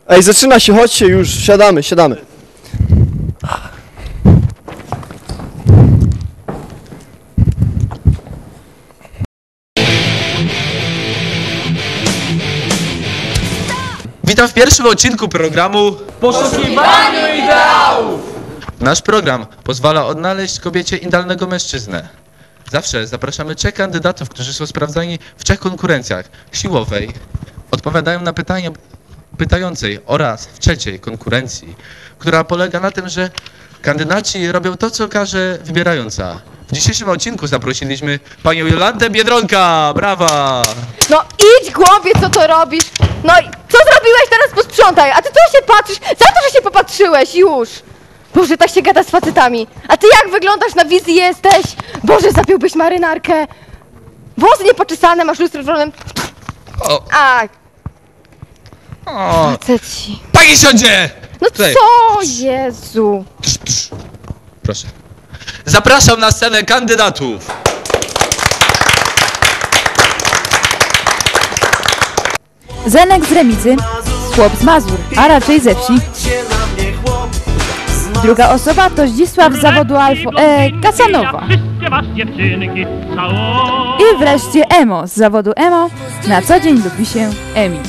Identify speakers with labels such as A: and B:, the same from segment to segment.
A: Ej, zaczyna się, chodźcie już, siadamy, siadamy.
B: Witam w pierwszym odcinku programu
C: Poszukiwaniu ideałów!
B: Nasz program pozwala odnaleźć kobiecie idealnego mężczyznę. Zawsze zapraszamy 3 kandydatów, którzy są sprawdzani w 3 konkurencjach. Siłowej, odpowiadają na pytania pytającej oraz w 3 konkurencji, która polega na tym, że kandydaci robią to, co każe wybierająca. W dzisiejszym odcinku zaprosiliśmy panią Jolantę Biedronka. Brawa!
D: No idź głąbie, co to robisz? No i co zrobiłeś, teraz posprzątaj, a ty co się patrzysz? Za to, że się popatrzyłeś, już! Boże, tak się gada z facetami. A ty jak wyglądasz, na wizji jesteś? Boże, zapiłbyś marynarkę. Włosy niepoczesane, masz lustro w rolem.
B: O,
D: A,
B: o.
D: faceci.
B: Pani siądzie!
D: No
B: Tutaj.
D: co, Jezu?
B: Proszę. Zapraszam na scenę kandydatów.
E: Zenek z Remizy, chłop z Mazur, a raczej ze wsi. Druga osoba to Zdzisław z zawodu Kasanowa. I wreszcie Emo z zawodu Emo, na co dzień lubi się emić.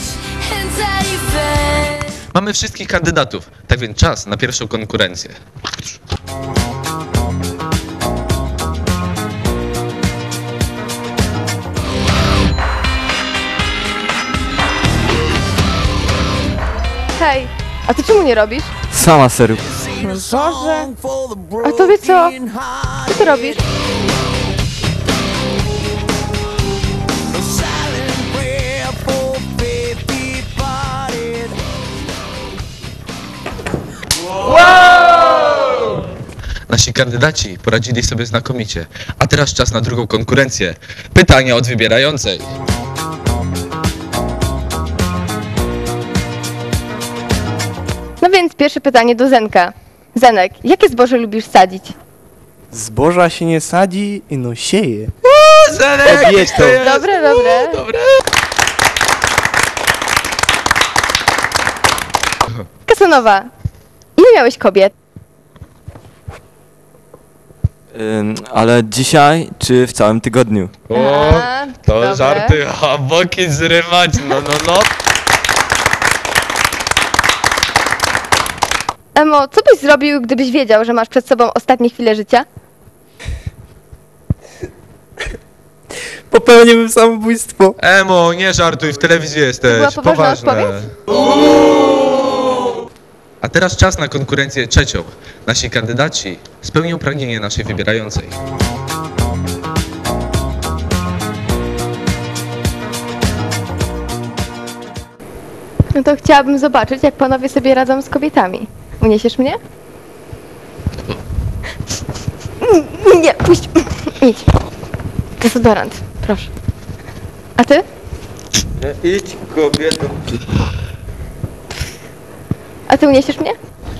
B: Mamy wszystkich kandydatów, tak więc czas na pierwszą konkurencję.
D: Hej, a ty czemu nie robisz?
A: Sama serio.
D: Boże. A tobie co? Co ty robisz?
B: Nasi kandydaci poradzili sobie znakomicie. A teraz czas na drugą konkurencję. Pytania od wybierającej.
D: No więc pierwsze pytanie do Zenka. Zenek, jakie zboże lubisz sadzić?
A: Zboża się nie sadzi, no sieje.
B: Zenek!
A: Odjedź to.
D: Dobre, dobre.
B: Dobre.
D: Kasanowa, ile miałeś kobiet?
F: Ale dzisiaj czy w całym tygodniu?
B: O,
D: A,
B: to
D: dobre.
B: żarty, a boki zrywać, no.
D: Emo, co byś zrobił, gdybyś wiedział, że masz przed sobą ostatnie chwile życia?
A: Popełniłbym samobójstwo.
B: Emo, nie żartuj, w telewizji jesteś.
D: była poważna odpowiedź?
B: A teraz czas na konkurencję trzecią. Nasi kandydaci spełnią pragnienie naszej wybierającej.
D: No to chciałabym zobaczyć, jak panowie sobie radzą z kobietami. Uniesiesz mnie? Nie, puść. Idź. Dezodorant, proszę. A ty?
F: Idź, kobieto.
D: A ty uniesiesz mnie?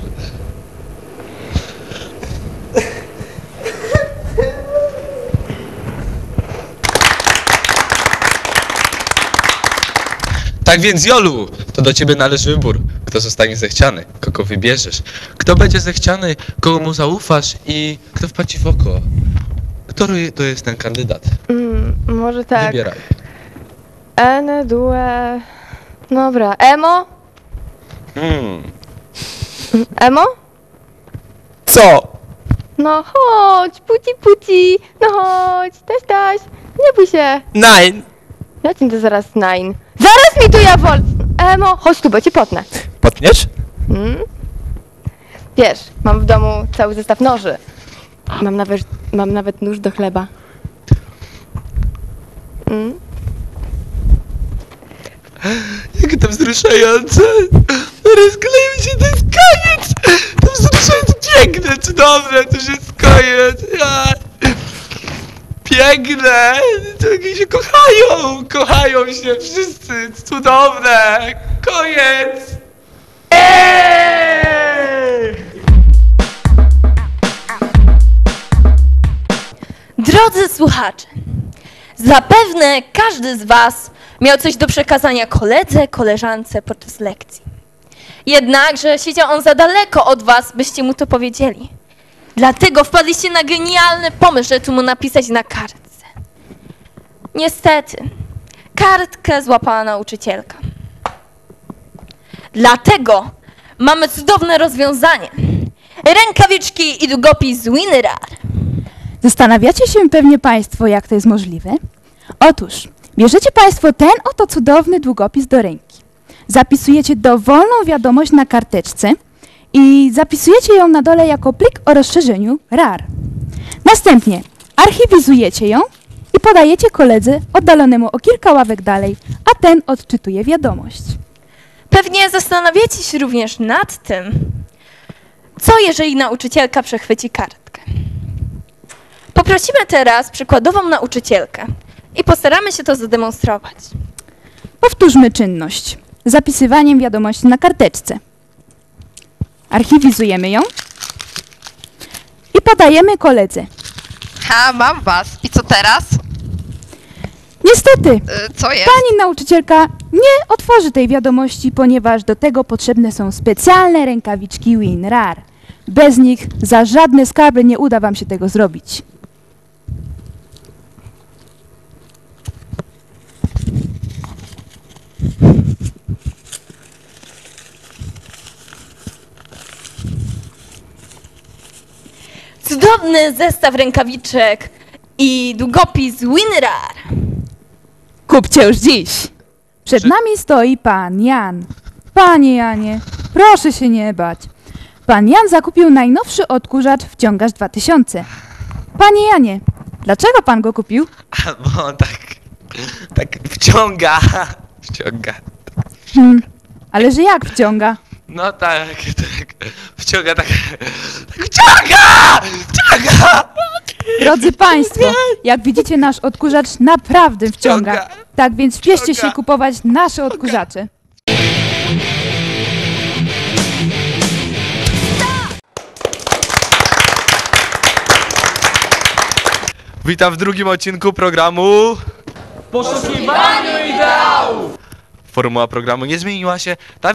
B: Tak więc, Jolu, to do ciebie należy wybór. Kto zostanie zechciany, kogo wybierzesz. Kto będzie zechciany, kogo mu zaufasz i kto wpadł ci w oko. Który to jest ten kandydat?
D: Może tak.
B: Wybieraj.
D: Ene, due... Dobra, Emo? Emo?
A: Co?
D: No chodź, puci, no chodź, taś, nie bój się.
A: Nein.
D: Ja ci to zaraz nine. Zaraz mi tu ja wol... Emo, chodź tu, bo cię potnę.
A: Potniesz?
D: Wiesz, mam w domu cały zestaw noży. Mam nawet nóż do chleba.
B: Jak to wzruszające! Rozkleił się, to jest koniec! To wzruszające, piękne, cudowne, to już jest koniec! Piękne! To jakieś się kochają się wszyscy, cudowne! Koniec!
C: Drodzy słuchacze, zapewne każdy z was miał coś do przekazania koledze, koleżance podczas lekcji. Jednakże siedział on za daleko od was, byście mu to powiedzieli. Dlatego wpadliście na genialny pomysł, żeby tu mu napisać na kartce. Niestety, kartkę złapała nauczycielka. Dlatego mamy cudowne rozwiązanie. Rękawiczki i długopis WinRAR.
E: Zastanawiacie się pewnie Państwo, jak to jest możliwe? Otóż, bierzecie Państwo ten oto cudowny długopis do ręki. Zapisujecie dowolną wiadomość na karteczce i zapisujecie ją na dole jako plik o rozszerzeniu RAR. Następnie archiwizujecie ją i podajecie koledze oddalonemu o kilka ławek dalej, a ten odczytuje wiadomość.
C: Pewnie zastanawiacie się również nad tym, co jeżeli nauczycielka przechwyci kartkę. Poprosimy teraz przykładową nauczycielkę i postaramy się to zademonstrować.
E: Powtórzmy czynność. Zapisywaniem wiadomości na karteczce. Archiwizujemy ją i podajemy koledze.
G: Ha, mam was. I co teraz?
E: Niestety,
G: Co jest?
E: pani nauczycielka nie otworzy tej wiadomości, ponieważ do tego potrzebne są specjalne rękawiczki WinRAR. Bez nich za żadne skarby nie uda wam się tego zrobić.
C: Cudowny zestaw rękawiczek i długopis WinRAR.
E: Kupcie już dziś! Przed nami stoi pan Jan. Panie Janie, proszę się nie bać. Pan Jan zakupił najnowszy odkurzacz Wciągacz 2000. Panie Janie, dlaczego pan go kupił?
F: Bo on tak wciąga. Wciąga.
E: Ale że jak wciąga?
F: No tak, wciąga tak wciąga! Wciąga!
E: Drodzy Państwo, jak widzicie, nasz odkurzacz naprawdę wciąga.
F: Wciąga.
E: Tak więc śpieszcie się
F: Wciąga.
E: kupować nasze odkurzacze.
F: Witam w drugim odcinku programu
C: Poszukiwaniu ideałów!
F: Formuła programu nie zmieniła się. Ta